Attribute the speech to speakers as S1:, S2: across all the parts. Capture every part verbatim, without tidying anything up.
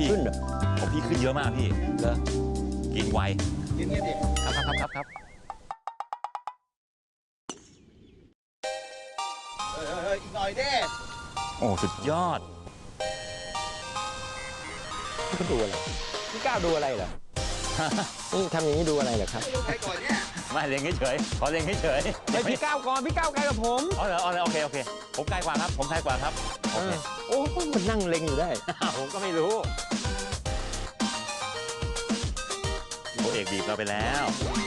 S1: ขึ้นเหรอ
S2: ของพี่ขึ้นเยอะมากพี่เหรอกินไว
S3: กินไงดิ
S2: ครับครับครับครับ
S3: เอออีกหน่อยเด้
S2: โอ้สุดยอด
S1: ดูอะไรพี่ก้าวดูอะไรเหรอนี่ทำอย่างนี้ดูอะไรเหรอครับ
S3: ดูใครก่อนเนี่ย
S2: ไม่เล็งเฉยขอเล็งเฉย
S1: ไอพี่ก้าวก่อนพี่ก้าวไกลกับผม
S2: อ๋อเหรออ๋อโอเคโอเคผมไกลกว่าครับผมไกลกว่าครับโอเค
S1: โอ้มันนั่งเล็งอยู่ได้
S2: ผมก็ไม่รู้โอเอกบีบเราไปแล้ว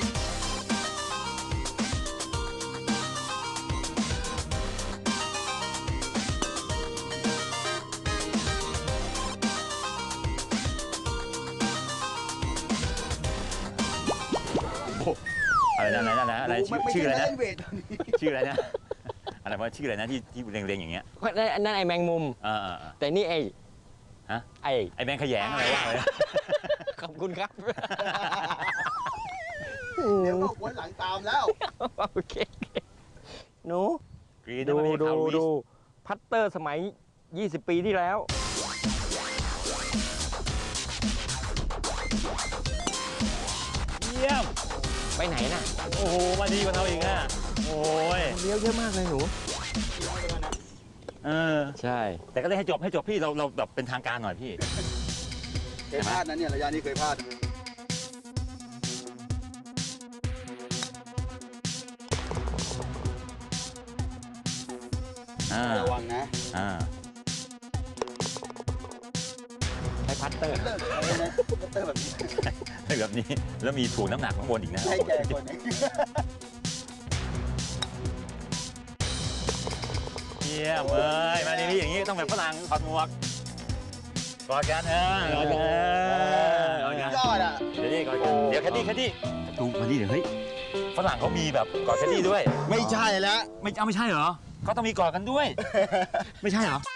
S2: อะไรนะอะไรนะอะไรชื่ออะไรนะชื่ออะไรนะอะไรว่าชื่ออะไรนะที่ที่เรียงๆอย่างเงี้ย
S1: นั่นไอแมงมุมแต่นี่ไอ
S2: ฮะ
S1: ไอ
S2: ไอแมงขยงอะไรว่าเลย
S1: ขอบคุณครับ
S3: เดี๋ยวก็วนหลังตามแล้ว
S1: โอเคหนูดูดูดูพัตเตอร์สมัยยี่สิบปีที่แล้ว
S2: เยี่ยม
S1: ไปไหนน่ะ
S2: โอ้โหมาดีกว่าเราอีกอ่ะโอ้ย
S1: เลี้ยวเยอะมากเลยหนู
S2: เออ
S1: ใช่
S2: แต่ก็ได้ให้จบให้จบพี่เราเราแบบเป็นทางการหน่อยพี่
S3: เคยพลาดนะเนี่ยระยะนี้เคยพลาดระวังนะ
S2: อ่า
S1: ใช้พัตเตอร์
S3: พัตเตอร์แบบนี้
S2: แบบนี้แล้วมีถ่วงน้ำหนักข้างบนอีกนะ
S3: ใช่ใหญ่กว่านี้
S2: เยี่ยมเลยมาดีๆอย่างนี้ต้องแบบฝรั่งถอดหมวกกอดกันเออกอดกัน
S3: ยอดอ่ะ
S2: เดี๋ยวนี่กอดกันเดี๋ยวแคดดี้แคดดี้ดูมาดิเดี๋ยวเฮ้ยฝรั่งเขามีแบบกอดแคดดี้ด้วย
S3: ไม่ใช่แล้ว
S2: ไม่เอาไม่ใช่เหรอเขาต้องมีกอดกันด้วยไม่ใช่เหรอ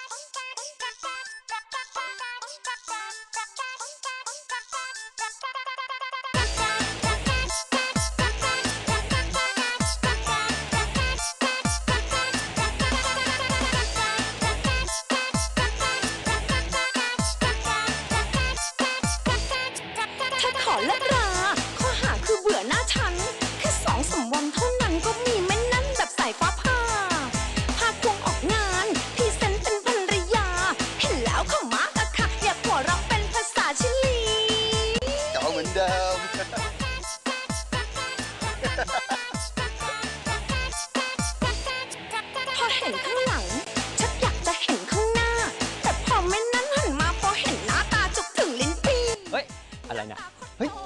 S4: พอเห็นข้างหลังชักอยากจะเห็นข้างหน้าแต่พอไม่นั้นหันมาพอเห็นหน้าตาจุกถึงลิ้นปี
S1: เฮ้ยอะไรนะเฮ้ย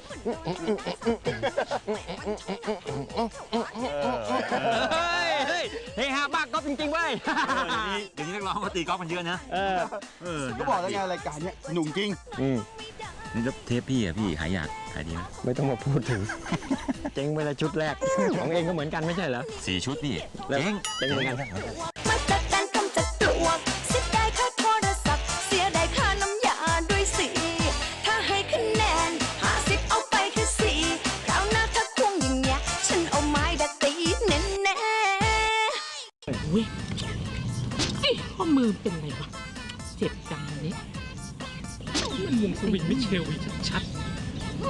S1: เฮ้ยเฮ้ยฮะบ้ากอล์ฟจริงๆเว้ย
S2: เดี๋ยวนี้นักร้องเขาตีกอล์ฟกันเยอะนะ
S1: เออ
S3: เออก็บอกแล้วไงรายการเนี้ยหนุ่มจริง
S2: นี่แล้วเทปพี่อะพี่หายอยากขายดีไหม
S1: ไม่ต้องมาพูดถึงเจ๊งไปละชุดแรกของเองก็เหมือนกันไม่ใช่เหรอ
S2: สี่ชุดพี่
S1: เจ๊งเจ๊งเหมือนกัน
S4: มาจัดการกำจัดปลวกเสียดายค่าโทรศัพท์เสียดายค่าน้ำยาด้วยสิถ้าให้คะแนนห้าสิบเอาไปแค่สี่คราวหน้าถ้าควงอย่างเงี้ยฉันเอาไม้ดัดตีแน่แน่
S5: เว้ยไอ้ข้อมือเป็นไรวะเจ็บจังเลยมันวงสวิงไม่เชลวีชัดๆ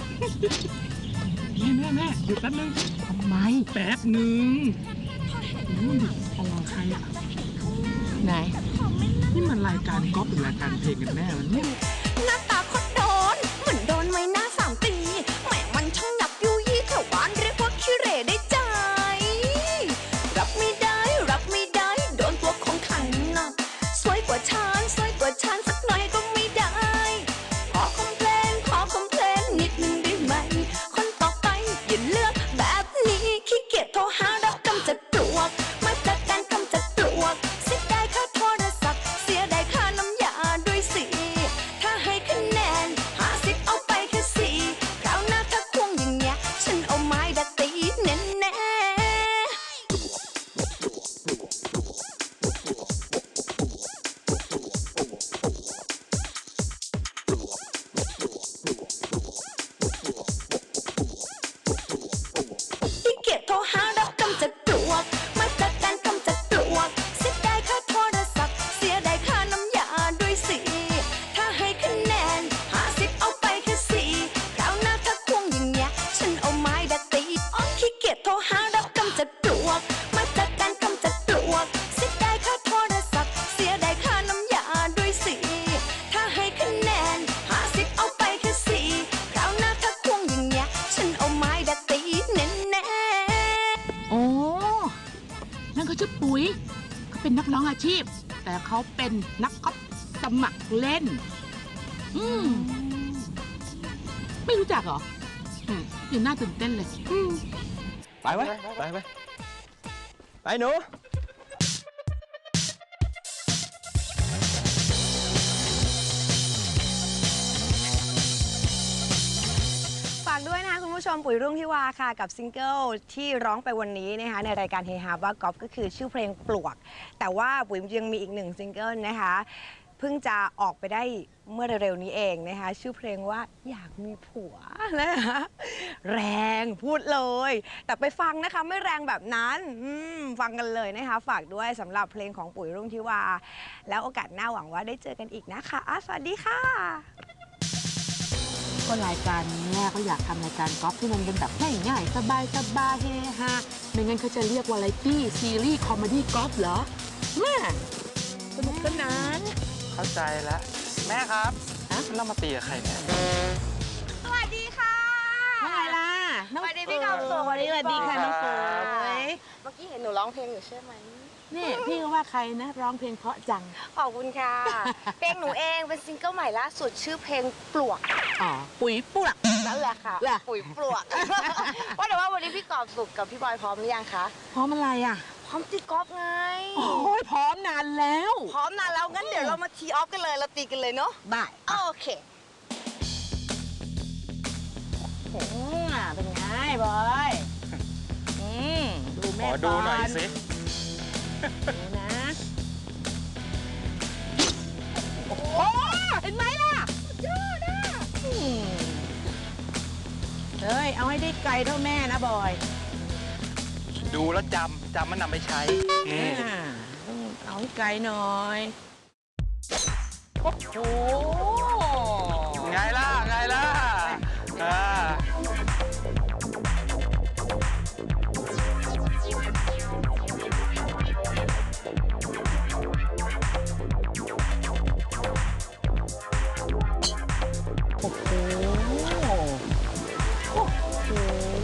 S5: แม่แม่แม่หยุดแป๊บนึง
S4: ทำไม
S5: แป๊บนึงอะไรใครอ่ะ
S4: ไหน
S5: นี่มันรายการก๊อปหรือรายการเพลงกันแน่มันเนี่ย
S4: หน้าตาโคตรโดนเหมือนโดนไม้หน้าสามตีแม่มันช่างหนับยุยี่แถวบ้านเรียกว่าขี้เหร่ได้ใจรับไม่ได้รับไม่ได้โดนตัวของขันนะสวยกว่าฉันสวยกว่าฉันสักหน่อยก็ไม่ได้ขอคอมเพลนขอคอมเพลนนิดนึงได้ไหมคนต่อไปอย่าเลือกแบบนี้ขี้เกียจโทรหารับกำจัดปลวกมาจัดการกำจัดปลวกเสียดายค่าโทรศัพท์เสียดายค่าน้ำยาด้วยสิถ้าให้คะแน
S5: ชื่อปุ๋ยเขาเป็นนักร้องอาชีพ แต่เขาเป็นนักกอล์ฟสมัครเล่น อืมไม่รู้จักเหรออืมยังน่าตื่นเต้นเลยอืม
S1: ไปไว้ไปไปไปหนู
S6: ฝากด้วยนะคะคุณผู้ชมปุ๋ยรุ่งทิวาค่ะกับซิงเกิลที่ร้องไปวันนี้นะคะในรายการเฮฮาบ้ากอล์ฟก็คือชื่อเพลงปลวกแต่ว่าปุ๋ยยังมีอีกหนึ่งซิงเกิลนะคะเพิ่งจะออกไปได้เมื่อเร็วๆนี้เองนะคะชื่อเพลงว่าอยากมีผัวนะคะแรงพูดเลยแต่ไปฟังนะคะไม่แรงแบบนั้นฟังกันเลยนะคะฝากด้วยสำหรับเพลงของปุ๋ยรุ่งทิวาแล้วโอกาสหน้าหวังว่าได้เจอกันอีกนะคะสวัสดีค่ะ
S5: ก็รายการนี้เขาอยากทำรายการกอล์ฟที่มันเป็นแบบง่ายๆสบายๆเฮฮาไม่งั้นเขาจะเรียกวาไรตี้ซีรีส์คอมเมดี้กอล์ฟเหรอแม่สนุกสนาน
S2: เข้าใจแล้ว แม่ครับเรามาตีกับใครเนี่ย
S6: สวัสดีค่ะ
S5: ว่าไงล่ะ
S6: สวัสดีพี่กาวสุข
S5: สวัสดีสวัสดีค่ะน้องเฟย
S6: เมื่อกี้เห็นหนูร้องเพลงอยู่ใช่ไหม
S5: นี่พี่ก็ว่าใครนะร้องเพลงเพราะจัง
S6: ขอบคุณค่ะ เพลงหนูเองเป็นซิงเกิลใหม่ล่าสุดชื่อเพลงปลวก
S5: อ๋อ ปุ๋ยปลวก
S6: นั่นแหละค่ะ
S5: เหรอ
S6: ปุ๋ยปลวก ว่าแต่ว่าวันนี้พี่กอบสุขกับพี่บอยพร้อมหรือยังคะ
S5: พร้อมอะไรอ่ะ
S6: พร้อมตีกอล์ฟไง
S5: โอ้ยพร้อมนานแล้ว
S6: พร้อมนานแล้วงั้นเดี๋ยวเรามาทีออฟกันเลยเราตีกันเลยเนาะ
S5: ได้
S6: โอเค
S5: อืมเป็นไงบอยอืมดู
S2: ข
S5: แม่
S2: อดูหน่อยสิ
S5: ดูนะ โอ้โหเห็นไหมล่ะยอดอ่ะอืมเฮ้ย เอาให้ได้ไกลเท่าแม่นะบอย
S2: ดูแล้วจำจำมันนำไปใช้นี่
S5: อ่าต้องเอาให้ไกลหน่อย โอ้โห
S2: ไงล่ะ ไงล่ะอ่า
S5: โอ้โห โอ้โห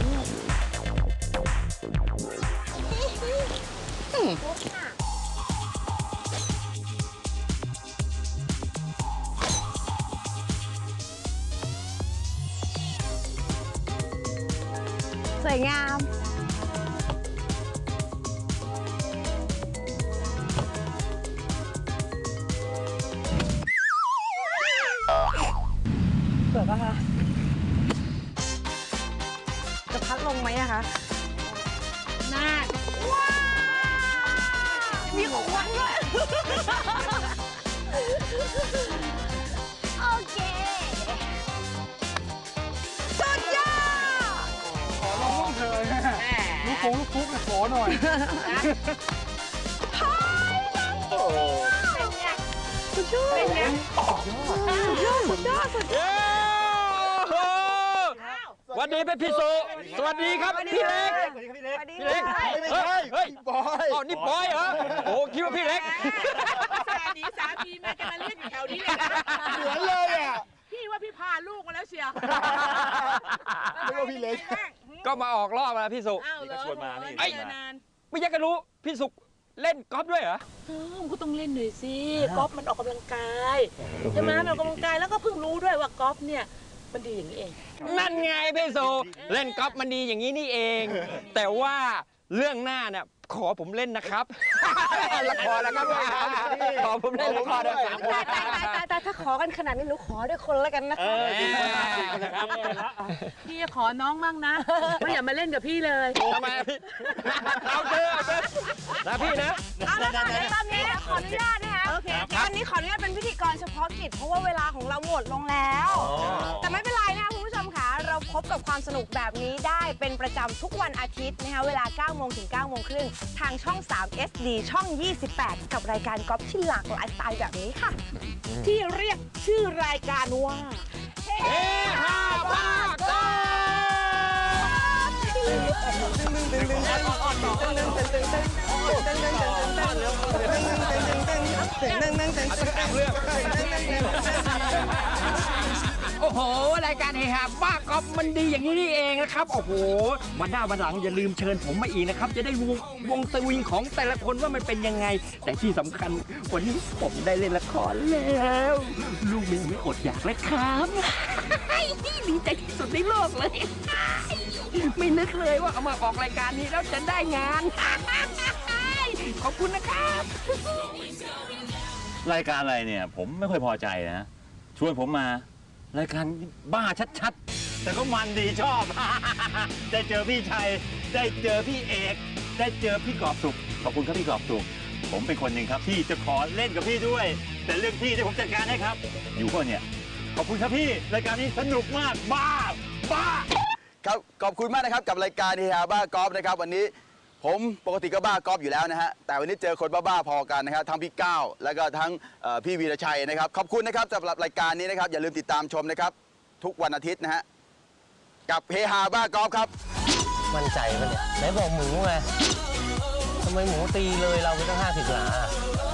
S6: สวยงาม เปิดปะคะ จะพัดลงไหมอะคะ
S5: น่า
S6: มีควันด้วย โอเค สุดยอด
S3: ขอร้องเธอลูกโป่งลูกฟุกขอหน่อย
S5: เป็นไง
S6: สุดยอด สุดยอด
S1: เย้สวัสดีเป็นพี่สุสวัสดีครับพี่เล็ก
S3: สวัสดีครับพี่เล็ก
S6: สวัสดี
S1: พี่เล็ก
S6: ค่ะ
S3: ไม่ใช่
S1: เฮ้ย
S3: บอย
S1: อ๋อนี่บอยเหรอโอ้คิดว่าพี่เล็ก
S5: สามีสามีมาจะมาเรียกอยู่แถวนี้เลยนะ
S3: เหมือนเลยอ่ะ
S5: พี่ว่าพี่พาลูกมาแล้วเชียว
S3: ไม่ว่าพี่เล็ก
S1: ก็มาออกรอบแล้วพี่สุ
S5: อ้าวเหรอ
S2: ชวนมานี่
S5: ไอ้เจอนาน
S1: ไม่อยากจะรู้พี่สุเล่นกอล์ฟด้วยเหรอ
S5: เออมันก็ต้องเล่นหน่อยสิกอล์ฟมันออกกำลังกายใช่ไหมมันออกกำลังกายแล้วก็เพิ่งรู้ด้วยว่ากอล์ฟเนี่ยมันดีอย่างนี้เอง
S1: นั่นไงพี่สุเล่นกอล์ฟมันดีอย่างนี้นี่เอง แต่ว่าเรื่องหน้าเนี่ยขอผมเล่นนะครับ ละครแล้วครับขอผมเล่นละครด้วยครับ
S6: ตายตายตายตายตายถ้าขอกันขนาดนี้หนูขอด้วยคนแล้วกันนะ
S1: เอ
S6: คะ
S1: อ
S5: พี่จะขอน้องมั่งนะไม่อย่ามาเล่นกับพี่เลย
S1: ทำไมพี่เอาเจอเอาเจอนะพี่นะ
S6: เอาละค่ะเดี๋ยวตอนนี้ขออนุญาตนะคะ
S5: โอเค
S6: วันนี้ขออนุญาตเป็นพิธีกรเฉพาะกิจเพราะว่าเวลาของเราหมดลงแล้ว แต่ไม่เป็นไรนะคะคุณผู้ชมค่ะเราพบกับความสนุกแบบนี้ได้เป็นประจำทุกวันอาทิตย์นะคะเวลาเก้าโมงถึงเก้าโมงครึ่งทางช่อง สาม เอส ดี ช่อง ยี่สิบแปด กับรายการกอล์ฟที่หลากหลายสไตล์แบบนี้ค่ะ
S5: ที่เรียกชื่อรายการว่า
S1: เฮ้ฮาบ้ากอล์ฟโอ้โหรายการเฮฮาบ้ากอล์ฟมันดีอย่างนี้นี่เองนะครับโอ้โหวันหน้าวันหลังอย่าลืมเชิญผมมาอีกนะครับจะได้วงวงสวิงของแต่ละคนว่ามันเป็นยังไง แต่ที่สำคัญวันนี้ผมได้เล่นละครแล้วลูกเมียไม่อดอยากเลยครับดีใจที่สุดในโลกเลยไม่นึกเลยว่าเอามาออกรายการนี้แล้วจะได้งานขอบคุณนะครับ
S2: รายการอะไรเนี่ยผมไม่ค่อยพอใจนะชวนผมมารายการบ้าชัดๆแต่ก็มันดีชอบ ได้เจอพี่ชัยได้เจอพี่เอกได้เจอพี่กอบสุขขอบคุณครับพี่กอบสุขผมเป็นคนหนึ่งครับที่จะขอเล่นกับพี่ด้วย แต่เรื่องที่ที่ผมจัดการให้ครับอยู่ก็เนี่ยขอบคุณครับพี่รายการนี้สนุกมากบ้าบ้า
S7: ครับขอบคุณมากนะครับกับรายการเฮฮาบ้ากอล์ฟนะครับวันนี้ผมปกติก็บ้ากอล์ฟอยู่แล้วนะฮะแต่วันนี้เจอคนบ้าๆพอกันนะครับทั้งพี่ก้าวแล้วก็ทั้งเอ่อพี่วีรชัยนะครับขอบคุณนะครับสำหรับรายการนี้นะครับอย่าลืมติดตามชมนะครับทุกวันอาทิตย์นะฮะกับเฮฮาบ้ากอล์ฟครับ
S8: มั่นใจปะเนี่ยไหนบอกหมูไงทำไมหมูตีเลยเราไปตั้งห้าสิบหลา